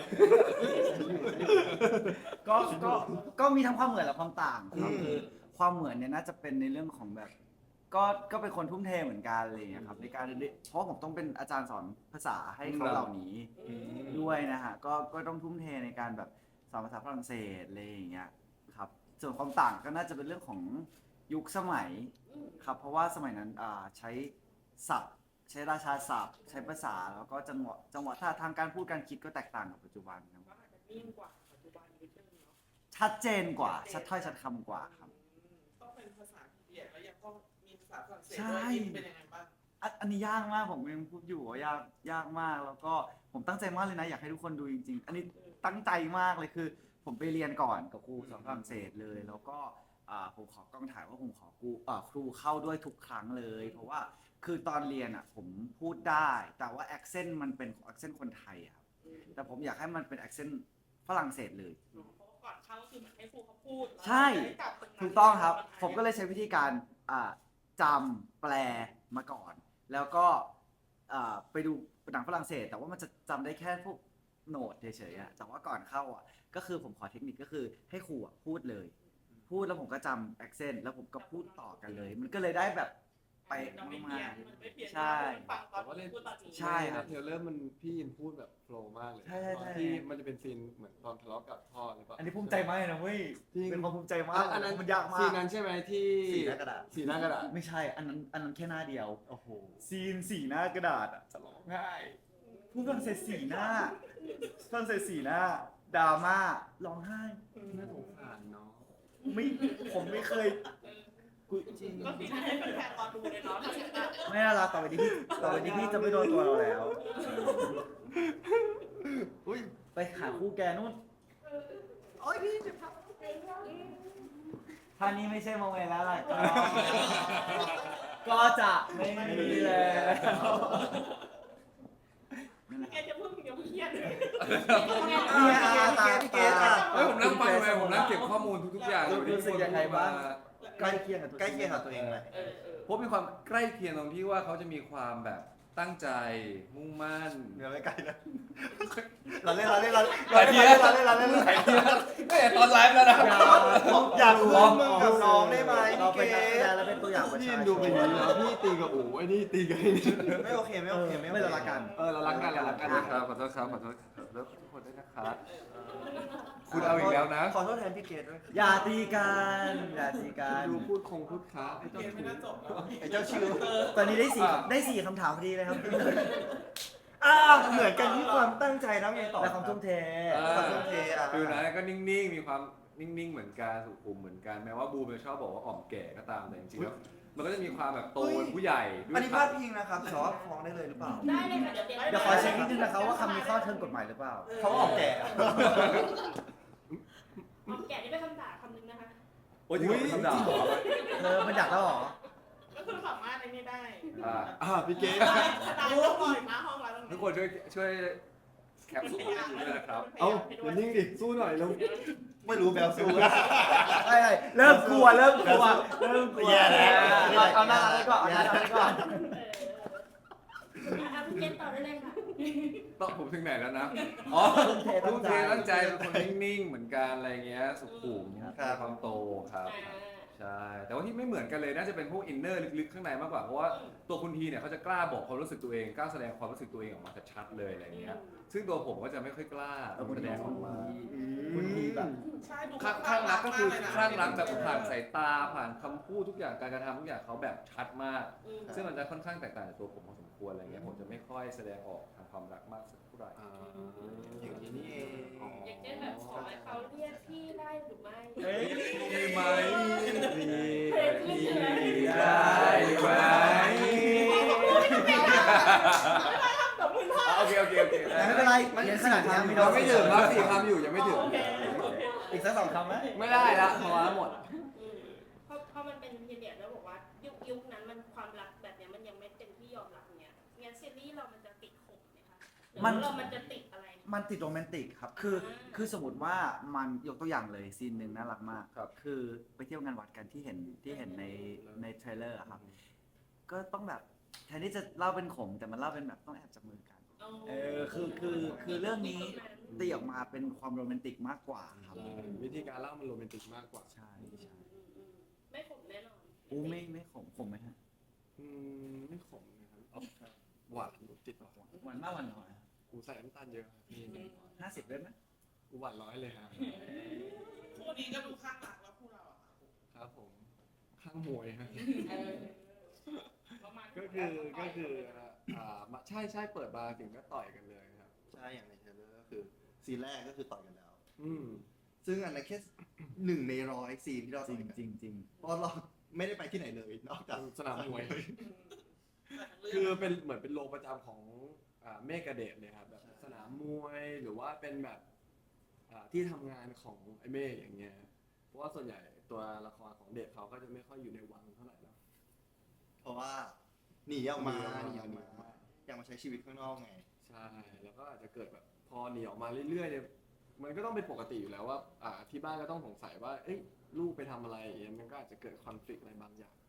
C: ก็ก็ก็มีทั้งความเหมือนและความต่างครับ
E: อืม
C: คือความเหมือนเนี่ยน่าจะเป็นในเรื่องของแบบ ก็ก็เป็นคนทุ่มเทเหมือนกันอะไรอย่างเงี้ยครับในการเรียนเพราะผมต้องเป็นอาจารย์สอนภาษาให้เขาเหล่านี้ด้วยนะฮะก็ก็ต้องทุ่มเทในการแบบสอนภาษาฝรั่งเศสอะไรอย่างเงี้ยครับส่วนความต่างก็น่าจะเป็นเรื่องของยุคสมัยครับเพราะว่าสมัยนั้นอ่าใช้ศัพท์ ใช้ราชาศัพท์ ใช้ภาษาแล้วก็จังหวะจังหวะท่าทางการพูดการคิดก็แตกต่างกับปัจจุบันครับ
B: ก็อาจจะนิ่งกว่าปัจจุบันนิดนึงเนาะ
C: ชัดเจนกว่า ชัดถ้อยชัดคำกว่าครับ
F: ต้องเป็นภาษาอังกฤษแล้วยังต้องมีภาษาฝรั่งเศส
C: ใช่
F: ด้วยเป็นยังไงบ้าง
C: อันอันนี้ยากมากผมยังพูดอยู่ว่ายากยากมากแล้วก็ผมตั้งใจมากเลยนะอยากให้ทุกคนดูจริง ๆ อันนี้ตั้งใจมากเลยคือ ผมไปเรียนก่อนกับครูสอนฝรั่งเศสเลย แล้วก็อ่าผมขอกล้องถ่ายว่าผมขอครูอ่าครูเข้าด้วยทุกครั้งเลย เพราะว่าคือตอนเรียนอ่ะผมพูดได้ แต่ว่าแอคเซนต์มันเป็นแอคเซนต์คนไทยอะครับแต่ผมอยากให้มันเป็นแอคเซนต์ฝรั่งเศสเลย
B: เพราะว่าก่อนเข้าก็คือเหมือนให้ครูเขาพูดแล้ว
C: ใช่
B: เราจะได้จับตรงนั้น
C: ถูกต้องครับ ผมก็เลยใช้วิธีการอ่าจำแปลมาก่อน แล้วก็อ่าไปดูหนังฝรั่งเศส แต่ว่ามันจะจำได้แค่พวกโน้ตเฉยๆอะแต่ว่าก่อนเข้าอ่ะก็คือผมขอเทคนิคก็คือให้ครูอะพูดเลย พูดแล้วผมก็จำแอคเซนต์แล้วผมก็พูดต่อกันเลย มันก็เลยได้แบบไป
B: มันไม่เพี้ยนมันไม่เพี้ยน
C: ใช่
B: ฟังตอนนี้พูดตอนนี้
C: ใช่ครับ
A: เทรลเลอร์มันพี่ยินพูดแบบโฟล์มากเลย
C: ใช่ใช่ใช่
A: ที่มันจะเป็นซีนเหมือนตอนทะเลาะกับพ่อหรือเปล่า
C: อันนี้ภูมิใจมากเลยนะเว้ย
A: จริง
C: เป็นความภูมิใจมาก
A: อ่ะอันนั้น
C: มันยากมา
A: ซี
C: ก
A: นนั้นใช่ไหมที่
E: สีหน้ากระดาษ
A: สีหน้ากระดาษ
C: ไม่ใช่ อันนั้นอันนั้นแค่หน้าเดียว
A: โอ้โห
C: ซีนสีหน้ากระดาษอะจะร้องไห้พูดฝรั่งเศสสีหน้าฝรั่งเศสสีหน้าดราม่าร้องไห้
A: น่าสงสารเนาะ
C: ไม่ผมไม่เคยกูจริง
B: ก็คือให้แฟนๆรอดูเลยเนาะถ้าเกิดว่า
C: ไม่น่ารักต่อไปนี้พี่ต่อไปนี้พี่จะไม่โดนตัวเราแล้ว
A: อุ้ย
C: ไปหาคู่แกนู่น
E: โอ้ยพี่เจ็บครับ
C: ท่านี้ไม่ใช่โมเมนต์แล้วล่ะก็ก็จะไม่มีแล้ว
B: แกจะพูดถึงยังเครียดเลย
C: เนี่ยตาตา
D: เฮ้ยผมนั่งฟังเลยผมนั่งเก็บข้อมูลทุกๆอย่างอยู่ที่
C: รู้สึกยังไงบ้าง
E: ใกล้เคียงกับใกล้เคียงกับตัวเองไหม
B: เออเออ
D: เพราะมีความใกล้เคียงตรงที่ว่าเขาจะมีความแบบตั้งใจมุ่งมั่น
E: เดี๋ยวไม่ใกล้นะเราเล่นเราเล่นเราเล่นเราเล่นเราเล่นเราเล่น
D: หลายทีแล้วไม่แต่ตอนไลฟ์แล้วนะ
E: อยากร่วมมือกับน้องได้ไหม
C: เรา
E: พี่
C: เป็น
E: เก
C: นักแสดงและเป็นตัวอย่างประ
A: พี่
C: ชาชน
A: ดูเป็นอย่างนี้แล้วพี่ตีกับอู๋ไอ้นี่ตีกับไอ้นี่
E: ไม่โอเคไม่โอเค
C: ไม่
E: ไม่
C: เรารักกัน
A: เออเรารักกันเรารัก
D: ข
A: กั
D: อน โทษครับขอโทษครับขอโทษครับแล้วทุกคนด้วยนะครับคุณเอาอีกแล้วนะ
E: ขอโทษแทนพี่เกดด้วย
C: อย่าตีกันอย่าตีกัน
A: ดูพูดคงพูดค้าไอ้เจ้า
F: เกมไม่น่าจบแล้ว
E: ไอ้เจ้าชิว
C: ตอนนี้ได้สี่ได้สี่คำถามพอดีเลยครับ
E: อ่าเหมือนกันที่ความตั้งใจแล้วไงต่อ
C: และความทุ่มเท
E: ความทุ่มเทอ่ะ
D: คือนะก็นิ่งๆ มีความนิ่งๆ เหมือนกันสุขุมเหมือนกันแม้ว่าบูมจะชอบบอกว่าอ่อมแก่ก็ตามแต่จริงๆแล้วมันก็จะมีความแบบโตเป็นผู้ใหญ่ด้ว
E: อัน
D: ย
E: นี้พลาดพิงนะครับสอบฟ้องได้เลยหรือเปล่า
B: ได้เลยค่ะเดี๋ยวเตรียม
C: เดี๋ยวขอเช็คนิดนึงนะครับว่าคำนี้เข้าเทิงกฎหมายหรือเปล่า
E: เขาออกแก่
B: ออกแกะนี่เป็นคำด่าคำนึงนะคะ
D: โอ้ยจริงเหรอคำด่าเหรอ
C: เธอมันอยากแล้วเหรอ
F: ก็คือสามารถอะไรนี่ได้
D: อ่า
A: อ่าพี่เกด
F: สไตล์ต้องปล่อยมาห้องแล้วตรง
D: ทุ
F: นี้
D: กคนช่วยช่วยแคปส่งให้ดูด้วยนะครับ
A: เอ้าอย่านิ่งดิสู้หน่อยเร็ว
E: ไม่รู้แบลซู
C: ใช่เริ่มกลัวเริ่มกลัวเริ่มกลัว
E: แย่แล้ว
C: เอาเอาหน้าเอาไว้ก่อนเอาหน้าเอาไว้ก่อน
B: เอออ่ะพี่เกณฑ์ต่อได้เลยค่ะ
D: ต้องผมถึงไหนแล้วนะ อ๋อ
C: ทุ่มเท
D: ทุ่มเท
C: ตั้
D: ตั้
C: ง
D: ง
C: ใจ
D: ใจเป็นคนนิ่งๆ เหมือนกันอะไรเงี้ย สุขุมมีความโตครับ
B: อ่า
D: ใช่ แต่ว่าที่ไม่เหมือนกันเลยน่าจะเป็นพวกอินเนอร์ลึกๆ ข้างในมากกว่า เพราะว่าตัวคุณทีเนี่ยเขาจะกล้าบอกความรู้สึกตัวเอง กล้าแสดงความรู้สึกตัวเองออกมาชัดๆเลยอะไรเงี้ย ซึ่งตัวผมก็จะไม่ค่อยกล้าแสดงออกมา
C: คุณทีแบบ
F: ใช่ดู
D: ข้างข้างรักก็คือข้างรักแบบผ่านสายตาผ่านคำพูดทุกอย่างการกระทำทุกอย่างเขาแบบชัดมาก
B: อืม
D: ซึ่งมันจะค่อนข้างแตกต่างจากตัวผมพอสมควรอะไรเงี้ยผมจะไม่ค่อยแสดงออกทางความรักมากสักเท่าไหร่
A: อ่า
E: อย่างนี้นี่เอง
B: อย่างเช่นแบบขอให้เขาเรียกพี่ได้หรือไม่
C: เอ้ย
D: มีไหม
C: มี
B: มีไหม
D: ได้ไหมโอเคโอเคโอเค
C: ไม่เป็นไรเรียนขนาดนี้ไม่โด
A: เรา
C: น
A: ไม่ถึงครับสี่คำอยู่ยังไม่ถึง
B: โอเค
C: อีกสักสองคำไหม
A: ไม่ได้ละพอละหมด
B: อืมเพราะเพราะมันเป็นพีเรียดแล้วบอกว่ายุคยุคนั้นมันความรักแบบเนี้ยมันยังไม่เต็มที่ยอมรับเนี้ยงั้นซีรีส์เรามันจะติดขมไหมคะหรือว่าเรามันจะติดอะไร
C: มันติดโรแมนติกครับ คือ คือสมมติว่ามันยกตัวอย่างเลยซีนหนึ่งน่ารักมาก
D: ครับ
C: คือไปเที่ยวงานวัดกันที่เห็นที่เห็นในในเทรลเลอร์อะครับ ก็ต้องแบบแทนที่จะเล่าเป็นขมแต่มันเล่าเป็นแบบต้องแอบจับมือกัน เออ คือ คือ คือเรื่องนี้ตีออกมาเป็นความโรแมนติกมากกว่าครับ
A: วิธีการเล่ามันโรแมนติกมากกว่า
C: ใช่ใช่
B: ไม่ขมแน่นอน
C: อู้ไม่ไม่ขมขมไหมฮะ
A: อืมไม่ขมนะครับเอาหวานติดหวาน
C: หวานมากหวานน้อย
A: กูใส่น้ำตาลเยอะครับพี่
C: ห้าสิบได้ไหม
A: กูหวานร้อยเลยครับ
F: คู่นี้ก็ดูข้างหลักแล้วคู่เราอะ
A: ครับผมข้างมวยครับ
B: เออประมาณ
A: ก็คือก็คืออ่ามาใช่ใช่เปิดบาร์ถึงก็ต่อยกันเลยครับ
E: ใช่อย่างในเทรลเลอร์ก็คือซีนแรกก็คือต่อยกันแล้ว
A: อืม
E: ซึ่งอันนั้นแค่หนึ่งในร้อยซีนที่เรา
C: จ
E: ต่
C: ริ
E: อย
C: ง
E: กัน
C: จริงจริง
E: เพราะเราไม่ได้ไปที่ไหนเลยนอกจาก
A: สนามมวย
F: คื
A: คือ อเป็นเหมือนเป็นโลประจำของอ่าเมฆกระเดชเลยครับแบบสนามมวยหรือว่าเป็นแบบอ่าที่ทำงานของไอ้เมฆอย่างเงี้ยเพราะว่าส่วนใหญ่ตัวละครของเดชเขาก็จะไม่ค่อยอยู่ในวังเท่าไหร่นะ
E: เพราะว่าหนีออกมา
A: ห
E: ห
A: นี
E: นี
A: อ
E: อ
A: อ
E: อก ก
A: มา
E: มาอยากมาใช้ชีวิตข้างนอกไง
A: ใช่แล้วก็อาจจะเกิดแบบพอหนีออกมาเรื่อยๆเนี่ยมันก็ต้องเป็นปกติอยู่แล้วว่าอ่าที่บ้านก็ต้องสงสัยว่าเอ้ยลูกไปทำอะไรอย่างเงี้ยมันก็อาจจะเกิดคอนฟ lict อะไรบางอย่าง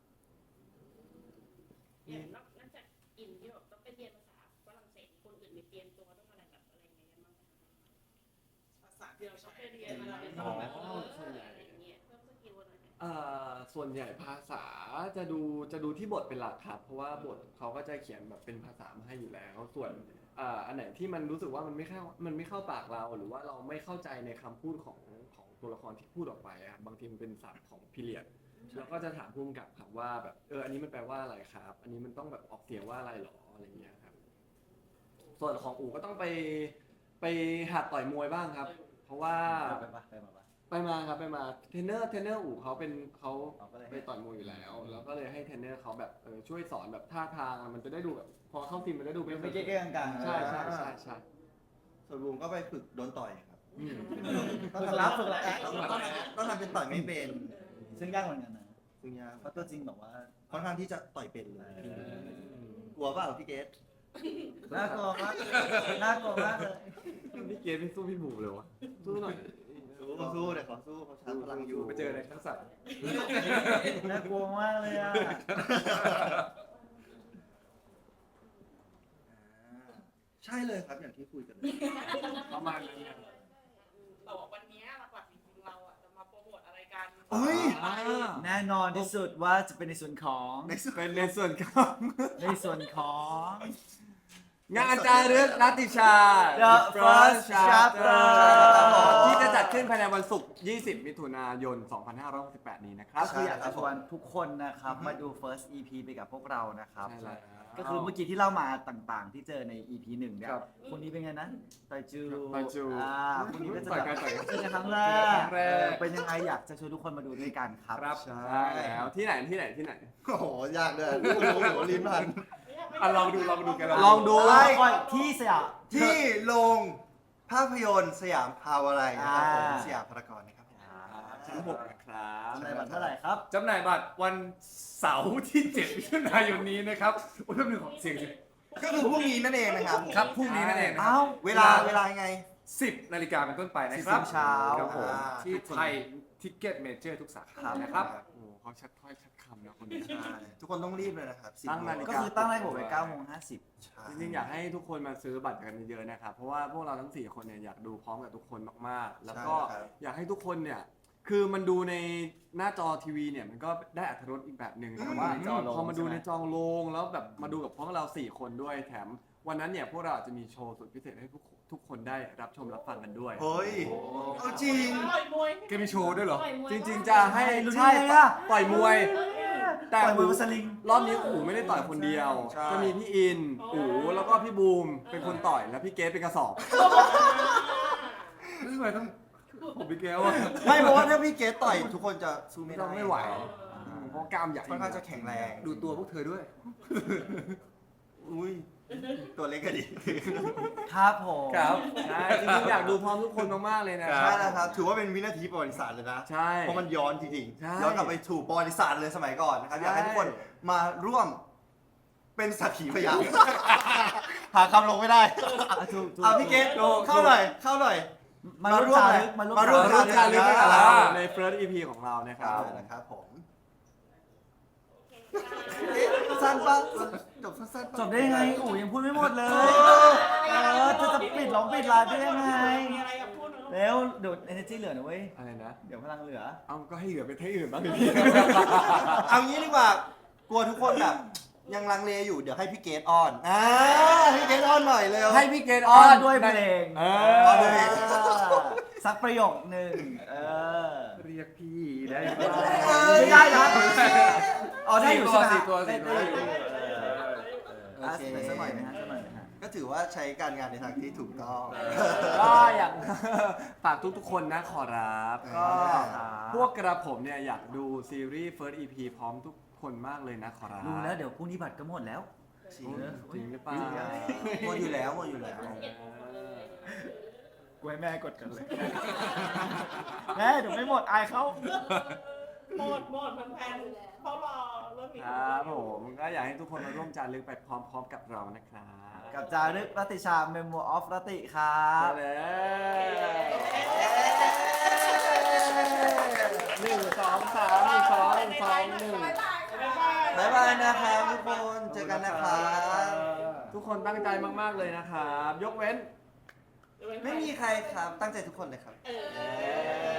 B: อย่างนอกนอกจากอินที่แบบต้องไปเรียนภาษาฝรั่งเศสคนอื่นมีเตรียมตัวต้องอะไรแบบอะไรอย่างเงี้ยบ้างไหม
F: ภาษาที่
B: เดี๋ยว
F: เรา
B: ต้อ
F: ใช้
B: งไปเรียนอะไรต้องแบบเออ
A: ส่วนใหญ่
B: อะไรอย่างเงี้ยเพิ่มสกิลอะไร
A: อ่าส่วนใหญ่ภาษาจะดูจะดูที่บทเป็นหลักครับเพราะว่าบทเขาก็จะเขียนแบบเป็นภาษามาให้อยู่แล้ว ส่วนอ่าอันไหนที่มันรู้สึกว่ามันไม่เข้ามันไม่เข้าปากเรา หรือว่าเราไม่เข้าใจในคำพูดของของตัวละครที่พูดออกไปอะบางทีมันเป็นศัพท์ของพีเรียดเราก็จะถามผู้กำกับครับว่าแบบเอออันนี้มันแปลว่าอะไรครับ อันนี้มันต้องแบบออกเสียงว่าอะไรหรออะไรเงี้ยครับส่วนของอูก็ต้องไปไปหัดต่อยมวยบ้างครับ เพราะว่า
C: ไปปะไปมาปะ
A: ไปมาครับไปมาเทรนเนอร์เทรนเนอร์อู่เขาเป็นเขา
C: เอาก็เลย
A: ไปต่อยมวยอยู่แล้ว แล้วก็เลยให้เทรนเนอร์เขาแบบเออช่วยสอนแบบท่าทางมันจะได้ดูแบบพอเข้าทีมมันจะได้ดู
C: ไม่เก้ๆกลางๆ
A: ใช่ใช่ใช่ใช่
E: ส่วนบูมก็ไปฝึกโดนต่อยครับ
A: อื ม
C: ฝึกรับฝึกรับ
E: ต้องทำต้องทำต้องทำเป็นต่อยไม่เป็น ซึ่งยากเหมือนกันนะ
C: ซึ่งยากเหมือนกันนะ
E: เพราะเราไม่ได้ไปที่ไหนเลยนอกจาก
C: ซึ่งยากเหมือนกันนะ
E: นอกจาก
C: ซึ่งยากเหมือนกันนะ
E: นซึ่งยาก
C: เพราะตัวจริงแบบว่า
E: ค่อนข้างที่จะต่อยเป็นเลย กลัวเปล่าพี่เกด
C: น่ากลัวมากน่ากลัวมากเลย
A: พี่เกดไม่สู้พี่บูมเลยวะสู้หน่อย
E: สู้สู้เดี๋ยวขอสู้เขาชาร์จพลังอยู่
D: ไปเจอในทักษะ
C: น่ากลัวมากเลยอ่ะ
E: ใช่เลยครับอย่างที่คุยกันเลย
A: ประมาณนั้นเนี่ย
F: แต่ว่าวันนี้หลักๆจริงๆเราอ่ะจะมาโปรโมทอะไรกัน
E: เฮ้ย
A: อ่า
C: แน่นอนที่สุดว่าจะเป็นในส่วนของ
E: ในสุด
A: เป็นในส่วนของ
C: ในส่วนของ
A: งานจารึกรัตติชา
C: The First Chapter
A: ที่จะจัดขึ้นภายในวันศุกร์ ยี่สิบ มิถุนายน สองพันห้าร้อยหกสิบแปด นี้นะครับ
C: ก็คืออยากจะชวนทุกคนนะครับ มาดู first อี พี ไปกับพวกเรานะครับ
A: ใช่แล้ว
C: ก็คือเมื่อกี้ที่เล่ามาต่างๆ ที่เจอใน อี พี หนึ่งเนี่ย
A: ครับ
C: คนนี้เป็นไงนะไตจู
A: ไตจู
C: อ่าคนนี้ก็จะ
A: ต่อย
C: แบ
A: กัน
C: บ
A: ต่อยกัน
C: เจอกันครั้งแร
A: เจอกันครั้
C: ก
A: งแรก
C: เออเป็นยังไงอยากจะชวนทุกคนมาดูด้วยกันครับ
D: ครับ
A: ใช่แล้วที่ไหนที่ไหนที่ไหน
E: โอ้โห ยากด้วยโอ้โหลิ้นพัน
D: อ่ะลองดูลองดูกัน
A: ลองดู
C: ไอ้ที่สยาม
E: ที่โรงภาพยนตร์สยามพาวอะไรนะครับผม
C: อ่า
E: สยามพารากอนนะครับผม
A: ชั้นหกนะครับ
C: ในบัตรเท่าไหร่ครับ
D: จำหน่ายบัตรวันเสาร์ที่ เจ็ด มิถุนายนนี้นะครับโอ้ยแป๊บนึงขอเสียงสิ
E: ก็คือพรุ่งนี้นั่นเองนะครับ
D: ครับพรุ่งนี้นั่นเองนะค
C: เอ้า
D: รับ
E: เวลาเวลายังไง
D: สิบนาฬิกาเป็นต้นไปนะครับ
C: สิบโมงเช้า
D: ครับผม
E: อ่า
D: ที่ไทยทิกเก็ตเมเจอร์ทุกสาขานะครับ
A: โอ้โหเขาชัดถ้อยชัดคำนะคนนี้
E: ใช่ทุกคนต้องรีบเลยนะครับสิบ
A: ตั้งนาฬิ
C: ก็คือตั้งไว้ผมไว้เก้าโมงห้าสิบ
E: ใช่
A: จริงๆอยากให้ทุกคนมาซื้อบัตรกันเยอะๆนะครับ เพราะว่าพวกเราทั้งสี่คนเนี่ยอยากดูพร้อมกับทุกคนมากๆ แล้วก็อยากให้ทุกคนเนี่ย คือมันดูในหน้าจอทีวีเนี่ยมันก็ได้อรรถรสอีกแบบหนึ่งแต่ว่า
C: ในจอโรง
A: พอมาดู
C: ใช่ไหม
A: ในจอโรงแล้วแบบมาดูกับพวกเราสี่คนด้วยแถมวันนั้นเนี่ยพวกเราอาจจะมีโชว์สุดพิเศษให้ทุกทุกคนได้รับชมรับฟังกันด้วย
E: เฮ้ย เอาจริง
F: ต่อยมวย
D: แกมีโชว์ด้วยเหรอ
B: ต่อยมวย
A: จริงๆจะให้
C: รู้ได้
A: ใช่
C: ไงอะ
A: ต่อยมวย แต่
C: ปล่อยมือ
A: อู๋
C: สลิง
A: รอบนี้อู๋ไม่ได้ต่อยคนเดียว
E: ใช่
A: จะมีพี่อินอู๋แล้วก็พี่บูมเป็นคนต่อยแล้วพี่เกสเป็นกระสอบ
D: ทำไมต้องผมพี่แก้วอ่ะ
E: ไม่เพราะว่าถ้าพี่เกดต่อยทุกคนจะสู้ไม่ได้
A: ไม่ไหว อืมเพราะกล้ามใหญ่
E: ค่อนข้างจะแข็งแรง
D: ดูตัวพวกเธอด้วย
E: อุ้ย ตัวเล็กก็ดี
C: ครับผม
D: ครับ
A: ใช่จริงๆอยากดูพร้อมทุกคนมากๆเลยนะ
D: ค
E: ใช่แล้วครับ ถือว่าเป็นวินาทีประวัติศาสตร์เลยนะ
A: ใช่
E: เพราะมันย้อนจริง
A: ใช่
E: ๆ ย้อนกลับไปถูกประวัติศาสตร์เลยสมัยก่อนนะครับ
A: ใช่
E: อยากให้ทุกคนมาร่วมเป็นสักขีพยาน หาคำลงไม่ได้
C: อ่ะถูกถูก
E: อ่ะพี่เกดเข้าหน่อย เข้าหน่อย
C: มาร่วมจารึกมาร่วม
E: มาร่วม
C: จา
A: ร่วมการ
C: รึ
A: ลึ
C: ก
A: กด้วยกับ
E: อ่า
A: เราใน First อี พี ของเรานะครับ
E: นะครับผมเอ๊ะสั้นปะจบสั้นๆปะ
C: จบได้ยังไงอู๋ยังพูดไม่หมดเลย เออจะจะปิดร้องปิดไลน์ได้ยังไง
F: มีอะไรอยากพูดไหมครับ
C: แล้วเดี๋ยว energy เหลือนะเว้ย
A: อะไรนะ
C: เดี๋ยวพลังเหลือ
A: เอาก็ให้เหลือไปที่อื่นบ้างพี่
E: เอางี้ดีกว่า กลัวทุกคนแบบยังลังเลอยู่ เดี๋ยวให้พี่เกดออนอ่าพี่เกดออนหน่อยเร็ว
A: ให้พี่เกดอ
C: อ้
A: อ
C: อน
A: น
C: ด้วยเพลง
A: เอ
E: อ
A: อ
E: นด้วยเพลง
C: สักประโยคหนึ่งเออ
D: เรียกพี่ได้
C: ไม่ได้นะอ๋อได้อยู่ใช่ไหม
D: สี่ตัวสี่ตัว
C: ได้
D: สี่ตัว
C: อยู่เออ
E: โอ
C: อ่ะ
E: เค
C: สักหน่อยนะฮะสักหน่อยนะฮะ
E: ก็ถือว่าใช้การงานในทางที่ถูกต้อง
A: ก็อยาก ฝากทุกๆคนนะขอรับ ก็
C: ครับ
A: พวกกระผมเนี่ยอยากดูซีรีส์ First อี พี พร้อมทุกคนมากเลยนะขอรับ
C: ดูแล้วเดี๋ยวพรุ่งนี้บัตรก็หมดแล้ว
E: จริง
A: โอ้ยจริงหรือเปล่า
E: หมดอยู่แล้วหมดอยู่แล้ว
C: กูให้แม่กดกันเลย แม่เดี๋ยวไม่หมดอายเขา
F: หมดหมดแฟนๆเขารอเรื่องนี้
A: ครับผมก็อยากให้ทุกคนมาร่วมจารึกไปพร้อมๆกับเรานะครับ
C: กับจารึกรัตติชา Memo of รัตติครับ
A: ใช่แล้วหนึ่งสองสามหนึ่งสองหนึ่งสองหนึ่ง
E: บ๊ายบายนะครับทุกคน เจอกันนะครับ
A: ทุกคนตั้งใจมากๆเลยนะครับ ยกเว้น
E: ไม่มีใครครับ ตั้งใจทุกคนเลยครับ
F: เออ